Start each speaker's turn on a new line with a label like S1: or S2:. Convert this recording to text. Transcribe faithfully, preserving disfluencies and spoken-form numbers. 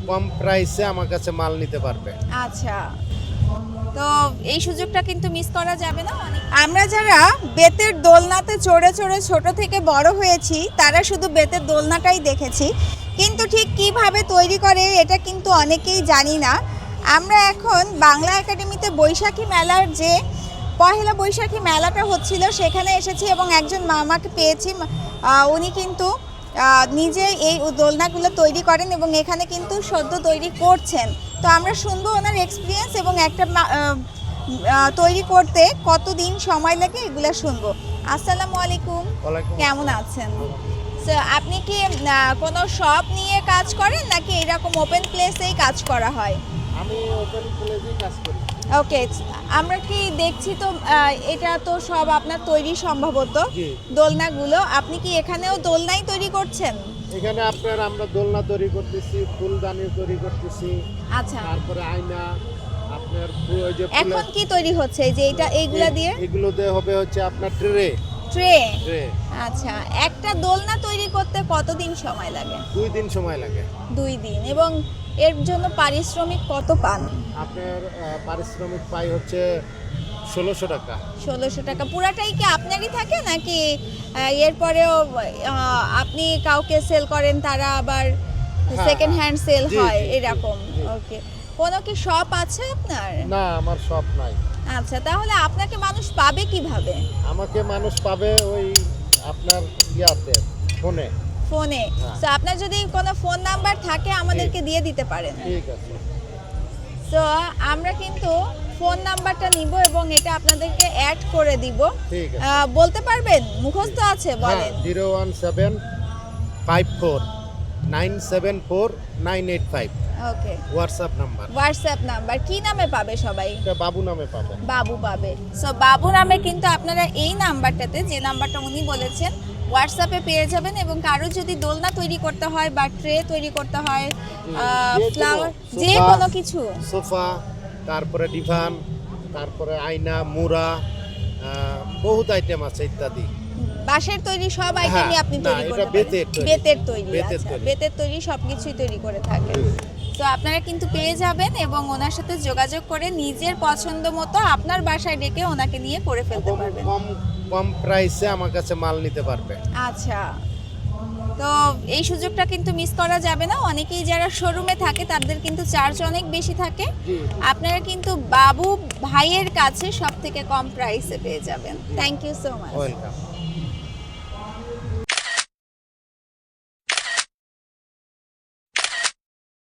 S1: কম প্রাইসে আমার কাছে মাল নিতে পারবে।
S2: আচ্ছা, তো এই সুযোগটা কিন্তু মিস করা যাবে না। আমরা যারা বেতের দোলনাতে চড়ে চড়ে ছোট থেকে বড় হয়েছি তারা শুধু বেতের দোলনাটাই দেখেছি, কিন্তু ঠিক কিভাবে তৈরি করে এটা কিন্তু অনেকেই জানি না। আমরা এখন বাংলা একাডেমিতে বৈশাখী মেলার যে পহেলা বৈশাখী মেলাটা হচ্ছিল সেখানে এসেছি এবং একজন মামাকে পেয়েছি। আহ, উনি কিন্তু আহ, নিজে এই দোলনাগুলো তৈরি করেন এবং এখানে কিন্তু সদ্য তৈরি করছেন। তো আমরা শুনবো ওনার এক্সপিরিয়েন্স এবং একটা মা- আহ, আহ, তৈরি করতে কতদিন সময় লাগে এগুলো শুনবো। আসসালামু আলাইকুম,
S1: ওয়ালাইকুম
S2: কেমন আছেন? So, আপনি কি আহ, কোনো শপ নিয়ে কাজ করেন নাকি এরকম ওপেন প্লেসেই কাজ করা হয়?
S1: আমি ওপেন প্লেসে কাজ করি।
S2: ওকে, আমরা কি দেখছি তো আহ, এটা তো সব আপনার তৈরি সম্ভবত
S1: জি।
S2: দোলনাগুলো। আপনি কি এখানেও দোলনাই তৈরি করছেন?
S1: এখানে আপনার আমরা দোলনা তৈরি করতেছি, ফুলদানি তৈরি করতেছি,
S2: আচ্ছা,
S1: তারপরে আয়না, আপনার ফু- ওই যে ফুলের-
S2: এখন কি তৈরি হচ্ছে এই যে এটা এইগুলা দিয়ে?
S1: এগুলো দিয়ে হবে হচ্ছে আপনার ট্রে
S2: ট্রে।
S1: ট্রে
S2: আচ্ছা, একটা দোলনা তৈরি করতে কতদিন সময় লাগে?
S1: দুই দিন সময় লাগে।
S2: দুই দিন। এবং এর জন্য পারিশ্রমিক কত পান?
S1: আপনার আহ, পারিশ্রমিক পাই হচ্ছে ষোলোশো টাকা।
S2: ষোলোশো টাকা। পুরাটাই কি আপনারই থাকে নাকি আহ, এরপরেও আহ, আপনি কাউকে সেল করেন, তারা আবার
S1: হ্যাঁ,
S2: সেকেন্ড হ্যান্ড সেল
S1: জি,
S2: হয়
S1: জি, জি,
S2: এরকম?
S1: জি।
S2: ওকে, কোনো কি শপ আছে আপনার?
S1: না, আমার শপ নাই।
S2: আচ্ছা, তাহলে আপনাকে মানুষ পাবে কিভাবে?
S1: আমাকে মানুষ পাবে ওই আপনার ইয়াতে ফোনে।
S2: ফোনে?
S1: হ্যাঁ।
S2: তো আপনার যদি কোনো ফোন নাম্বার থাকে আমাদেরকে দিয়ে দিতে পারেন।
S1: ঠিক আছে,
S2: তো আমরা কিন্তু ফোন নাম্বারটা নিব এবং এটা আপনাদেরকে অ্যাড করে দিব।
S1: ঠিক আছে।
S2: আহ, বলতে পারবেন? মুখস্থ আছে?
S1: হ্যাঁ,
S2: বলেন।
S1: Zero one seven five four nine seven four nine eight five
S2: okay,
S1: WhatsApp number.
S2: WhatsApp number কি নামে পাবে সবাই?
S1: এটা বাবু নামে পাবেন।
S2: বাবু পাবে। সো বাবু নামে কিন্তু আপনারা এই নাম্বারটাতে, যে নাম্বারটা উনি বলেছেন, হোয়াটসঅ্যাপে পেয়ে যাবেন। এবং কারো যদি দোলনা তৈরি করতে হয় বা ট্রে তৈরি করতে হয়,
S1: যে
S2: ফ্লাওয়ার,
S1: কোনো,
S2: যে
S1: সোফা,
S2: কোনো কিছু,
S1: সোফা, তারপরে ডিভান, তারপরে আয়না, মুড়া, আহ, বহুত আইটেম আছে ইত্যাদি।
S2: বাঁশের তৈরি সব আইটেমই
S1: হ্যাঁ,
S2: আপনি
S1: না,
S2: তৈরি
S1: এটা
S2: করতে পারেন।
S1: বেতের তৈরি।
S2: বেতের তৈরি।
S1: বেতের
S2: আচ্ছা,
S1: তৈরি।
S2: বেতের তৈরি সবকিছুই তৈরি করে থাকেন। তো আপনারা কিন্তু পেয়ে যাবেন এবং ওনার সাথে যোগাযোগ করে নিজের পছন্দ মতো আপনার বাসায় ডেকে ওনাকে নিয়ে করে ফেলতে
S1: এবং
S2: পারবেন।
S1: কম কম প্রাইসে আমার কাছে মাল নিতে পারবে।
S2: আচ্ছা, তো এই সুযোগটা কিন্তু মিস করা যাবে না। অনেকেই যারা শোরুমে থাকে তাদের কিন্তু চার্জ অনেক বেশি থাকে।
S1: জি।
S2: আপনারা কিন্তু বাবু ভাইয়ের কাছে সব থেকে কম প্রাইসে পেয়ে যাবেন। Thank you so much.
S1: Welcome.